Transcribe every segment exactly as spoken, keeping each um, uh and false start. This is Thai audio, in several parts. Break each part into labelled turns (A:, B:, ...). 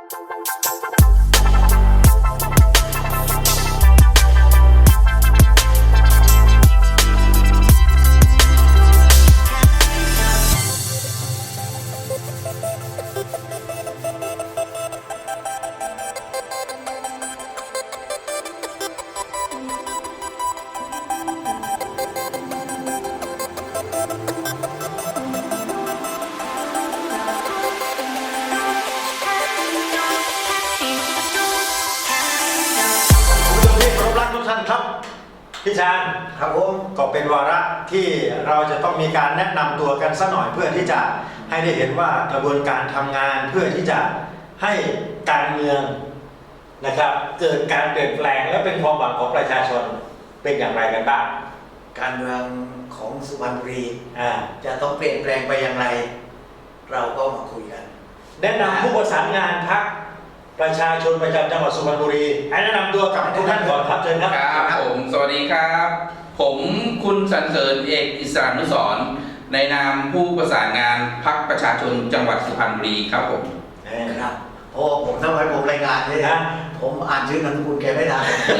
A: พี่ชาญครับผมก็เป็นวาระที่เราจะต้องมีการแนะนำตัวกันสักหน่อยเพื่อที่จะให้ได้เห็นว่ากระบวนการทำงานเพื่อที่จะให้การเมืองนะครับเกิดการเปลี่ยนแปลงและเป็นความหวังของประชาชนเป็นอย่างไรกันบ้าง
B: การเมืองของสุพรรณบุรีจะต้องเปลี่ยนแปลงไปอย่างไรเราก็มาคุยกัน
A: แนะนำผู้ประสานงานพรรคประชาชนประจำจังหวัดสุพรรณบุรีให้แนะนำตัวกับทุกท่านก่อนครับเชิญครับ
C: ครับผมสวัสดีครับผมคุณสรรเสริญเอกอิสรานุสรณ์ในนามผู้ประสานงานพรรคประชาชนจังหวัดสุพรรณบุรีครับผม
B: ครับโอ้ผมทำไมผมรายงานเลยนะผมอ่านชื่อนามสกุลแกไม่ได้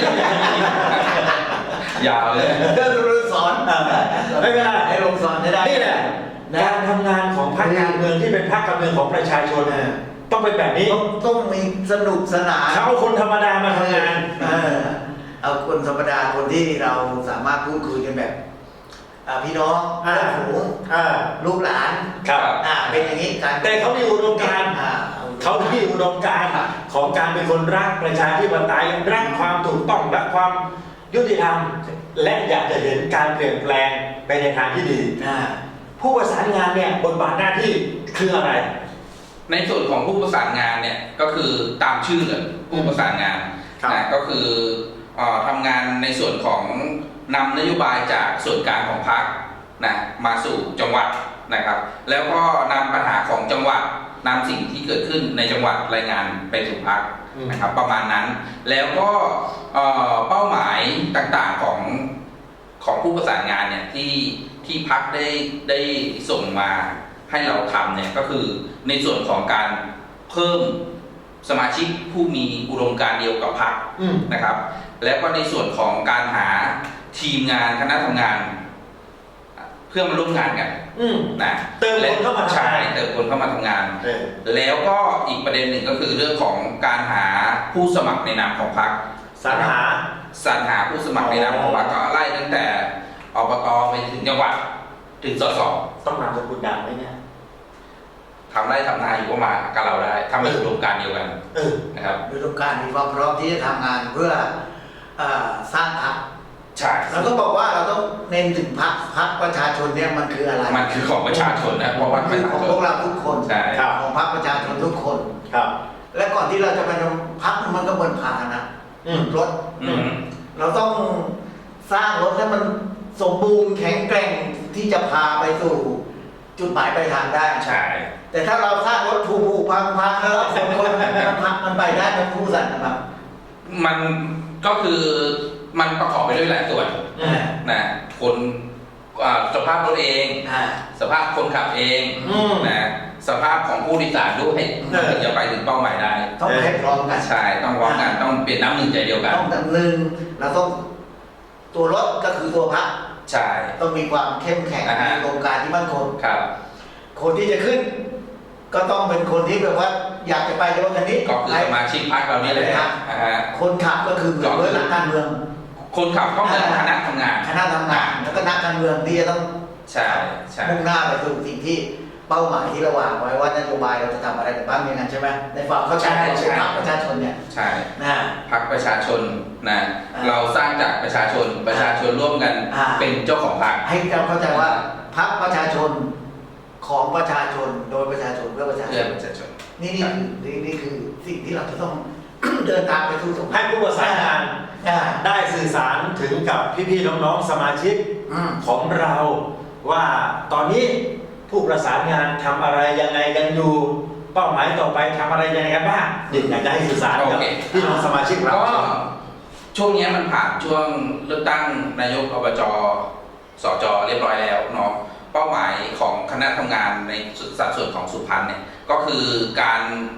C: ยาวเลย
B: ก็รู้สอน
A: ไม่เป็นไร
B: ให้ลงสอนได้
A: นี่แหละการทำงานของพรรคการเมืองที่เป็นพรรคการเมืองของประชาชนต้องเป็นแบบนี้
B: ต้องมีสนุกสนาน
A: เขาเอาคนธรรมดามาทำงาน
B: เอาคนธรรมดาคนที่เราสามารถพูดคุยกันแบบพี่น้องเพื่อนฝูงลูกหลานเป็นอย่างนี้การ
A: แต่เขามีอุดมการณ์เขามีอุดมการณ์ของการเป็นคนรักประชาธิปไตยรักความถูกต้องรักความยุติธรรมและอยากจะเห็นการเปลี่ยนแปลงไปในทางที่ดีผู้ประสานงานเนี่ยบทบาทหน้าที่คืออะไร
C: ในส่วนของผู้ประสานงานเนี่ยก็คือตามชื่อเลยผู้ประสานงานนะก็คือทำงานในส่วนของนำนโยบายจากส่วนกลางของพรรคนะมาสู่จังหวัดนะครับแล้วก็นำปัญหาของจังหวัดนำสิ่งที่เกิดขึ้นในจังหวัดรายงานไปสู่พรรคนะครับประมาณนั้นแล้วก็เป้าหมายต่างๆของของผู้ประสานงานเนี่ยที่ที่พรรคได้ได้ส่งมาให้เราทำเนี่ยก็คือในส่วนของการเพิ่มสมาชิกผู้มีอุดมการณ์เดียวกับพรรคนะครับแล้วก็ในส่วนของการหาทีมงานคณะทำงานเพื่อมาร่วมงานกันนะ
A: เติมคนเข้ามา
C: ใช่เติมคนเข้ามาทำงานแล้วก็อีกประเด็นหนึ่งก็คือเรื่องของการหาผู้สมัครในนามของพรรค
A: สรรหา
C: สรรหาผู้สมัครในนามของพรรคก็ไล่ตั้งแต่อบตไปถึงจังหวัดถึงสส
A: ต้องนำสกุลดังไหมเนี่ย
C: ทำได้ทำนาอยู่ก็มากับเราได้ทำในอุดมการณ์เดียวกันนะครับ
B: อุดมการณ์มีความพร้อมที่จะทำงานเพื่อสร้างพรรค
C: ใช่
B: เราต้องบอกว่าเราต้องเน้นถึงพรรคพรรคประชาชนเนี่ยมันคืออะไร
C: มันคือของประชาชนนะเพราะว่า
B: คือของพวกเราทุกคนของพรรคประชาชนทุกคน
A: ครับ
B: และก่อนที่เราจะไปทำพรรคมันก็เหมือนพาหนะรถเราต้องสร้างรถให้มันสมบูรณ์แข็งแกร่งที่จะพาไปสู่จุดหมายปลายทางได้
C: ใช่
B: แต่ถ้าเราสร้างรถถูกๆพังๆแล้วคนคนมันพังมันไปได้มันผู้สั่นนะครับ
C: มันก็คือมันประกอบไปด้วยหลายส่วนนะคนสภาพรถเองสภาพคนขับเองนะสภาพของผู้โดยสารด้วยถึงจะไปถึงเป้าหมายได้
B: ต้องให้พร้อมกัน
C: ใช่ต้องพร้อมกันต้องเปลี่ยนน้ำหนึ่งใจเดียวกัน
B: ต้องดำเนินเราต้องตัวรถก็คือตัวพรรค
C: ใช่
B: ต้องมีความเข้มแข็งมีโครงการที่มั่นคง
C: ครับ
B: คนที่จะขึ้นก็ต้องเป็นคนที่แบบว่าอยากจะไปในรถคันนี้
C: ก็คือสมาชิกพรรคเรานี่แหละ
B: คนขับก็คือเหมือนนักการเมือง
C: คนขับก็เหมือนคณะทำงาน
B: คณะทำงานแล้วก็นักการเมืองที่จะต้อง
C: ใช่ใช่
B: มุ่งหน้าไปสู่สิ่งที่เป้าหมายที่เราวางไว้ว่านโยบายเราจะทำอะไรบ้างอย่างนั้นใช่ไหมในฝั่งเข้าใจของพรรคประชาชนเนี่ย
C: ใช่นะพรรคประชาชนนะเราสร้างจากประชาชนประชาชนร่วมกันเป็นเจ้าของพรรค
B: ให้เราเข้าใจว่าพรรคประชาชนของประชาชนโดยประชาชนเพื่อประชาชนนี่นี่นี่นี่คือสิ่งที่เราจะต้องเดินทางไปสู่ตรง
A: ให้ผู้ประสานงานได้สื่อสารถึงกับพี่ๆน้องๆสมาชิกของเราว่าตอนนี้ผู้ประสานงานทำอะไรยังไงกันอยู่เป้าหมายต่อไปทำอะไรยังไงกันบ้างเด็กอยากจะให้สื่อสารกับพี่น้องสมาชิกเรา
C: ก็ช่วงนี้มันผ่านช่วงเลือกตั้งนายกอบจ.สจ.เรียบร้อยแล้วเนาะเป้าหมายของคณะทำงานในสัดส่วนของสุพรรณเนี่ยก็คือการ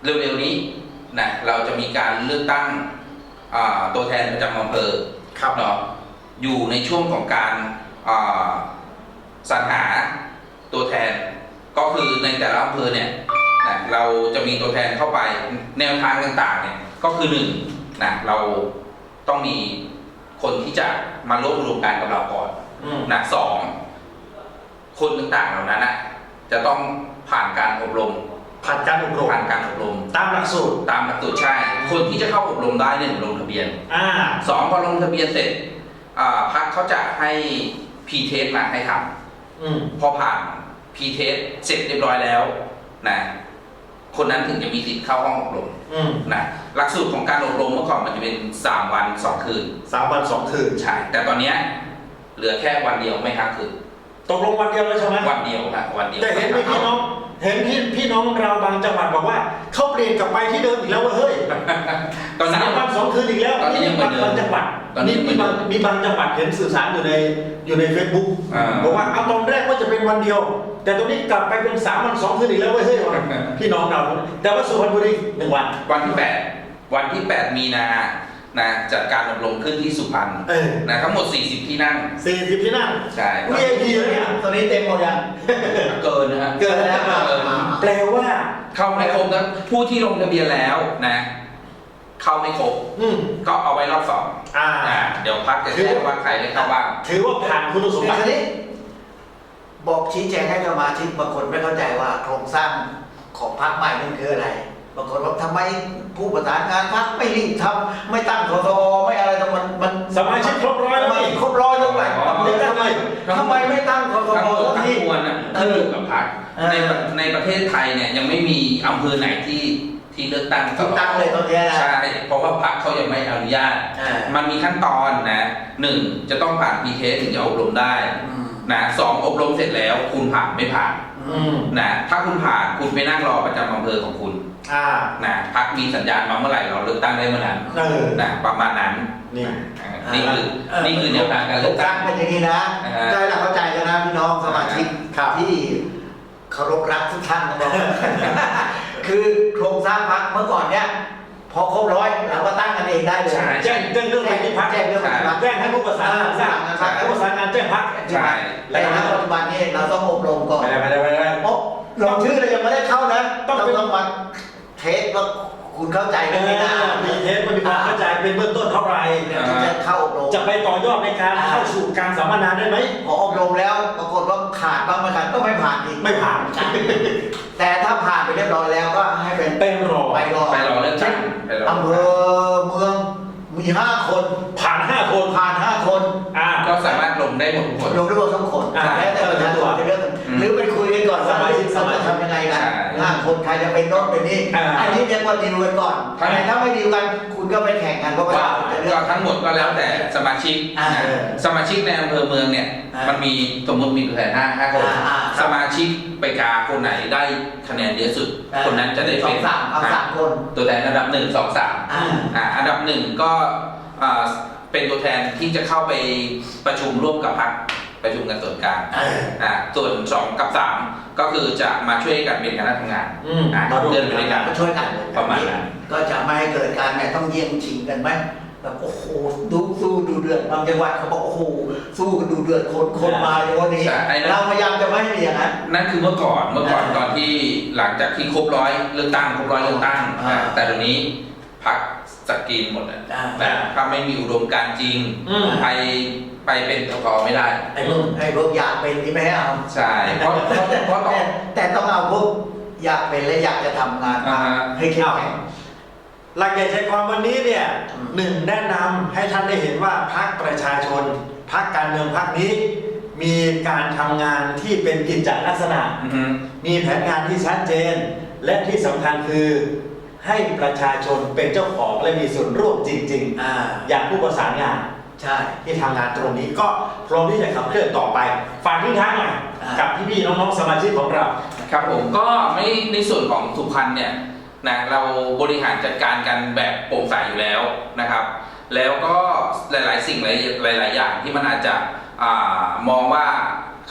C: เร็วๆนี้นะเราจะมีการเลือกตั้งตัวแทนประจำอำเภอครับเนาะอยู่ในช่วงของการสรรหาตัวแทนก็คือในแต่ละอำเภอเนี่ยนะเราจะมีตัวแทนเข้าไปแนวทางต่างๆเนี่ยก็คือหนึ่งนะเราต้องมีคนที่จะมาร่วมรวมกันกับเราก่อนนะสองคนต่างๆเหล่านั้นนะจะต้องผ่านการอบรม
A: ผ่านการอบรม
C: ผ่านการอบรม
A: ตามหลักสูตร
C: ตามหลักสูตรใช่คนที่จะเข้าอบรมได้หนึ่งลงทะเบียน
A: อ่า
C: สองพอลงทะเบียนเสร็จพรรคเขาจะให้พีเทสมาให้ทำพอผ่านพีเทสเสร็จเรียบร้อยแล้วนะคนนั้นถึงจะมีสิทธิ์เข้าห้องอบรมนะหลักสูตรของการอบรมเมื่อก่อนมันจะเป็นสามวันสองคืน
A: สามวันสองคืน
C: ใช่แต่ตอนนี้เหลือแค่วันเดียวไม่ค้างคืน
A: ตกลงวันเดียวแล้วใช่ไหม
C: วันเดียวครับวันเดียว
A: แต่เห็นพี่น้องเห็นพี่พี่น้องเราบางจังหวัดบอกว่าเขาเปลี่ยนกลับไปที่เดิมอีกแล้วว่าเฮ้ยตอนนี้สามวันสองคืนอีกแล้ว
C: ตอนนี้ยังเหมือนเดิม
A: บางจังหวัดนี่มีบางมีบางจังหวัดเห็นสื่อสารอยู่ในอยู่ในเฟซบุ๊กบอกว่าเอาตอนแรกว่าจะเป็นวันเดียวแต่ตอนนี้กลับไปเป็นสามวันสองคืนอีกแล้วเว้ยเฮ้ยพี่น้องเราแต่ว่าสุพรรณบุรีหนึ่งวัน
C: วันที่แปดวันที่แปดมีนานะจัดการอบรมขึ้นที่สุพรรณนะทั้งหมดสี่สิบที่นั่ง
A: สี่สิบที่นั่ง
C: ใช่
A: วี ไอ พี เลยเนี่ย
B: ตอนนี้เต็มหมดยัง
C: เกินนะฮะ
A: เกินแล้วแปลว่า
C: เข้าไม่ครบนะผู้ที่ลงทะเบียนแล้วนะเข้าไม่ครบก็เอาไว้รอบสองอ่าเดี๋ยวพักจะแจ้งว่าใครได้เข้าบ้าง
A: ถือว่าผ่านคุณสมบัติ
B: บอกชี้แจงให้สมาชิกบางคนไม่เข้าใจว่าโครงสร้างของพรรคใหม่นั่นคืออะไรบางคนว่าทำไมผู้ประสานงานพรรคไม่รีบทำไม่ตั้งสสไม่อะไรตรงมันมัน
A: สมาชิกครบร้อยแล้ว
B: นี่ครบร้อยแล้วไงทำไมทำไมไม่ตั้งสส
C: ทั้งมวลน่ะขึ้นอยู่กับพรรคในในประเทศไทยเนี่ยยังไม่มีอำเภอไหนที่ที่เลือกตั้ง
B: ตั้งเลยตอนนี้นะ
C: ใช่เพราะว่าพรรคเขายังไม่อนุญาตมันมีขั้นตอนนะหนึ่งจะต้องผ่านพีเทสถึงจะอบรมได้นะสองอบรมเสร็จแล้วคุณผ่านไม่ผ่านนะถ้าคุณผ่านคุณไปนั่งรอประจำอำเภอของคุณนะพรรคมีสัญญาณมาเมื่อไหร่เราเลือกตั้งได้เมื่อนั้นนะประมาณนั้น
A: นี่
C: นี่คือนี่คือแนวทางการเลือกตั้ง
B: เป็นอย่างนี้นะได้เราเข้าใจกันนะพี่น้องสมาชิกที่เคารพรักทุกท่านนะครับคือโครงสร้างพรรคเมื่อก่อนเนี้ยพอครบร้อยเราก็ตั้งกันเองได้เลย
A: แจ้งแจ้งเรื่องไปที่พรรค
B: แจ้งเรื่องไปที่พรรค
A: แจ้งให้ผู้ประสานงานทราบผู้ประสานงานแจ้งพรรค
C: ใช่
B: แต่ณปัจจุบันนี้เราต้องอบรมก่อน
A: ไม่ได้ไม่ได้ไม่ได้
B: โอ้ลงชื่อเรายังไม่ได้เข้านะต้องต้องมาเทสว่าคุณเข้าใจไหมนะ
A: มีเทสมันมีความเข้าใจเป็นเบื้องต้นเท่าไหร่
B: จะเข้าอบรม
A: จะไปต่อยอดในการเข้าสู่การสัมมนาได้ไหม
B: พออบรมแล้วปรากฏว่าขาดบ้างไม่ขาดก็ไม่ผ่านอีก
A: ไม่ผ่าน
B: แต่ถ้าผ่านไปเรียบร้อยแล้วก็ให้เป็น
A: เป็นรอ
B: ไปรอ
C: ไปรอเลือกตั้ง
B: อำเภอเมืองมีห้าคน
A: ผ่านห้าคน
B: ผ่านห้าคน
C: อ่าก็สามารถลงได้หมดทุกคน
B: ลงได้หมดทุกคนแล้วแต่ประชาชนจะเลือกหรือไปคุยกันก่อนสมาชิกสมาชิกทำยังไงกันห้าคนใครจะเป็นโน้นเป็นนี่อันนี้เรียกว่าดีลกันก่อนถ้าไม่ดีลกันคุณก็ไปแข่งกันเพราะว่า
C: ก็ทั้งหมดก็แล้วแต่สมาชิกสมาชิกในอำเภอเมืองเนี่ยมันมีสมมติมีตัวแทนห้าห้าคนสมาชิกไปกาคนไหนได้คะแนนเยอะสุดคนนั้นจะได้เป็น
B: สามสามคน
C: ตัวแทนระดับหนึ่งสองสามอ่าอันดับหนึ่งก็เป็นตัวแทนที่จะเข้าไปประชุมร่วมกับพรรคประชุมกันส่วนกลางอ่าส่วนสองกับสามก็คือจะมาช่วยกันเป็นคณะทำงานอ่าเดินไปด้วยกัน
B: มาช่วยกัน
C: ประมาณนั้น
B: ก็จะไม่ให้เกิดการเนี่ยต้องเยี่ยงชิงกันไหมแบบโอ้โหดูสู้ดูเดือดบางจังหวัดเขาบอกโอ้โหสู้กันดูเดือดคนคนมาในวันนี้เราพยายามจะไม่ให้มีอย่างนั้น
C: นั่นคือเมื่อก่อนเมื่อก่อนตอนที่หลังจากที่ครบร้อยเลือกตั้งครบร้อยเลือกตั้งแต่ตอนนี้พรรคสกรีนหมดอ่ะแต่ถ้าไม่มีอุดมการจริงไปไปเป็นสกไม่ได้
B: ไอ้พวกไอ้พวกอยากเป็นที่ไม่ให้เอา
C: ใช่เพราะเพราะ
B: แต่แต่ต้องเอาพวกอยากเป็นและอยากจะทำงานให้เข้มแข็ง
A: หลักใหญ่ใจความวันนี้เนี่ยหนึ่งแนะนำให้ท่านได้เห็นว่าพรรคประชาชนพรรคการเมืองพรรคนี้มีการทำงานที่เป็นกิจจลักษณะมีแผนงานที่ชัดเจนและที่สำคัญคือให้ประชาชนเป็นเจ้าของและมีส่วนร่วมจริง ๆ อ, อย่างผู้ประสานงาน
B: ใช่
A: ที่ทำงานตรงนี้ก็พร้อมที่จะขับเคลื่อนต่อไปฝากทิ้งท้ายหน่อยกับพี่ๆน้องๆสมาชิกของเรา
C: ครับผมก็ไม่ในส่วนของสุพรรณเนี่ยนะเราบริหารจัดการกันแบบโปร่งใสอยู่แล้วนะครับแล้วก็หลายๆสิ่งหลายๆอย่างที่มันอาจจะอ่ามองว่า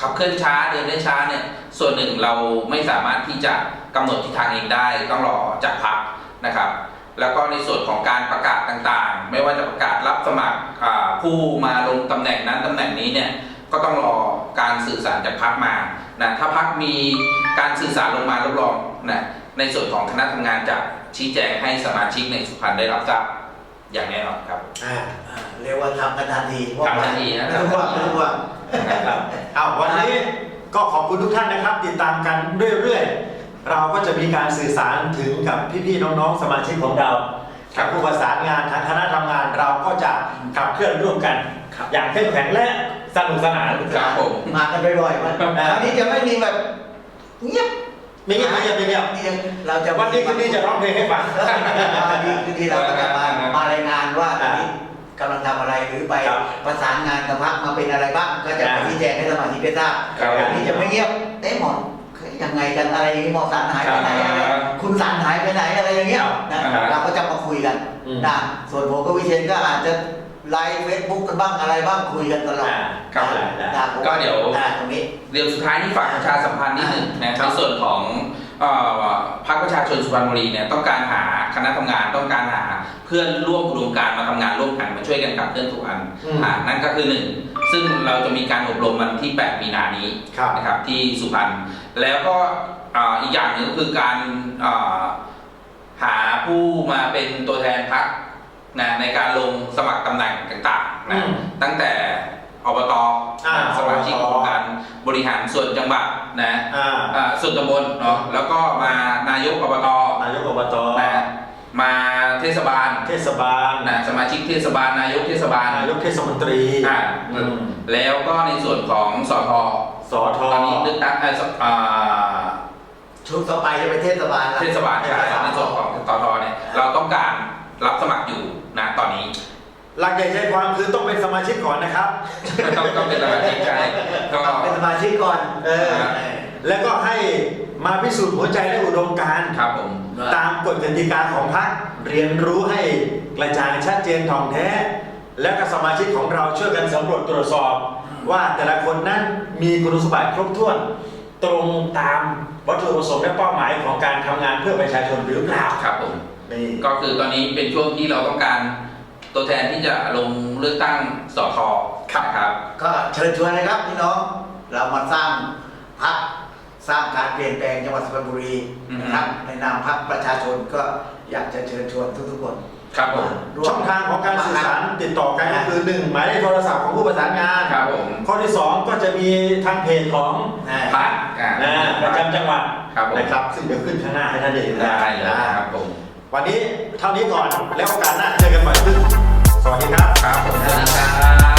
C: ขับเคลื่อนช้าเดินได้ช้าเนี่ยส่วนหนึ่งเราไม่สามารถที่จะกำหนดทิศทางเองได้ต้องรอจากพรรคนะครับแล้วก็ในส่วนของการประกาศต่างๆ ไม่ว่าจะประกาศรับสมัครผู้มาลงตำแหน่งนั้นตำแหน่งนี้เนี่ยก็ต้องรอการสื่อสารจากพรรคมานะถ้าพรรคมีการสื่อสารลงมารับรองนะในส่วนของคณะทำงานจะชี้แจงให้สมาชิกในสุพรรณได้รับทราบอย่างแน่นอนครับ
B: อ่าอ่าเรียกว่าทำกันทันที
C: ทำทันทีนะ
B: ไม่ต้องว่าไม่ต้องว่า
A: ครับเอาวันนี้ก็ขอบคุณทุกท่านนะครับ ติดตามกันเรื่อยๆเราก็จะมีการสื่อสารถึงกับพี่ๆน้องๆสมาชิกของเรากับผู้ประสานงานทางคณะทำงานเราก็จะขับเคลื่อนร่วมกันอย่างเข้มแข็งและสนุกสนาน
C: ครับผม
B: มากันบ่อยๆมันอันนี้จะไม่มีแบบเงียบ
A: ไม่เงียบไม่เงียบไม่เงียบ
B: เราจะ
A: วันนี้คืนนี้จะร้องเพลงให้ฟัง
B: วันนี้คืนนี้เราก็จะมามารายงานว่าตอนนี้กำลังทำอะไรหรือไป
A: ครับ
B: ประสานงานกับพรรคมาเป็นอะไรบ้างก็จะ
A: อ่า
B: ชี้แจงให้สมาชิกได้ทราบ
C: ครับ
B: อันนี้จะไม่เงียบเอ๊ะหมอยังไงกันอะไรอย่างนี้หมอสารหายไปไหนอะไร
C: ครับ
B: คุณสารหายไปไหนอะไรอย่างเงี้ย
A: ครับ
B: นะ
C: อ่า
B: เราก็จะมาคุยกัน
A: อืม
B: นะส่วนผมกับวิเชียนก็อาจจะไลฟ์เฟซบุ๊กกันบ้างอะไรบ้างคุยกันตลอด
A: อ่า
C: ครับ
A: ได้ได้
B: นะผม
C: ก็เดี๋ยว
B: อ่าตรงนี้
C: เดี๋ยวสุดท้ายที่ฝากประชาสัมพันธ์นิดหนึ่งนะ
A: ครั
C: ใน
A: บ
C: ส่วนของเอ่อพรรคประชาชนสุพรรณบุรีเนี่ยต้องการหาคณะทำงานต้องการหาเพื่อนร่วมอุดมการณ์มาทำงานร่วมกันมาช่วยกันขับเคลื่อนทุกอัน
A: อืม
C: อ่านั่นก็คือหนึ่งซึ่งเราจะมีการอบรมวันที่แปดมีนานี้
A: ครับ
C: นะครับที่สุพรรณแล้วก็อ่าอีกอย่างหนึ่งก็คือการอ่าหาผู้มาเป็นตัวแทนพรรคนะในการลงสมัครตำแหน่งต่างๆ
A: อื
C: นะ
A: ม
C: ตั้งแต่อบต
A: อ่า
C: สมาชิก
A: อบต
C: องค์การบริหารส่วนจังหวัดนะ
A: อ่า
C: อ่าส่วนตำบลเนาะแล้วก็มานายกอบต
A: นายกอบต
C: นะมาเทศบาล
A: เทศบาล
C: นะสมาชิกเทศบาลนายกเทศบาล
A: นายกเทศมนตรี
C: อ่า
A: อืม
C: แล้วก็ในส่วนของสท
A: สอท
C: ตอนนี้เลือกตั้งเอ่อสอ่า
B: ชุดต่อไปจะเป็นเทศบาลละ
C: เทศบาลใช่ในส่วนของสทเนี่ยเราต้องการรับสมัครอยู่นะตอนนี้
A: หลักใหญ่ใจความคือต้องเป็นสมาชิกก่อนนะครับ
C: ต้องต้องเป็นสมาชิกใช่ก็
B: เป็นสมาชิกก่อน
A: เออ แล้วก็ให้มาพิสูจน์หัวใจและอุดมการณ์
C: ครับผม
A: ตามกฎกติกาของพรรคเรียนรู้ให้กระจ่างชัดเจนถ่องแท้ และก็สมาชิกของเราช่วยกันสำรวจตรวจสอบ ว่าแต่ละคนนั้นมีคุณสมบัติครบถ้วน ตรงตามวัตถุประสงค์และเป้าหมายของการทำงานเพื่อประชาชนหรือเปล่า
C: ครับผม
A: นี่
C: ก็คือตอนนี้เป็นช่วงที่เราต้องการตัวแทนที่จะลงเลือกตั้งสทนะครับ
B: ก็เชิญชวนนะครับพี่น้องเรามาสร้างพรรคสร้างการเปลี่ยนแปลงจังหวัดสุพรรณบุรีนะครับในนามพรรคประชาชนก็อยากจะเชิญชวนทุกๆคน
C: ครับผม
B: ร่วม
A: ช่องทางของการสื่อสารติดต่อกันก็คือหนึ่งหมายเลขโทรศัพท์ของผู้ประสานงาน
C: ครับผม
A: ข้อที่สองก็จะมีทางเพจของ
B: อ่า
C: พรรคอ่า
A: นะประจำจังหวัด
C: ครับผม
A: นะครับซึ่งเดี๋ยวขึ้นข้างหน้าให้ท่านได้เห็น
C: ได้เลย
A: นะ
C: ครับผม
A: วันนี้เท่านี้ก่อนแล้วโอกาสหน้าเจอกันใหม่ขึ้นสวัสดีครับ
C: ครับผมสวัสดีครับ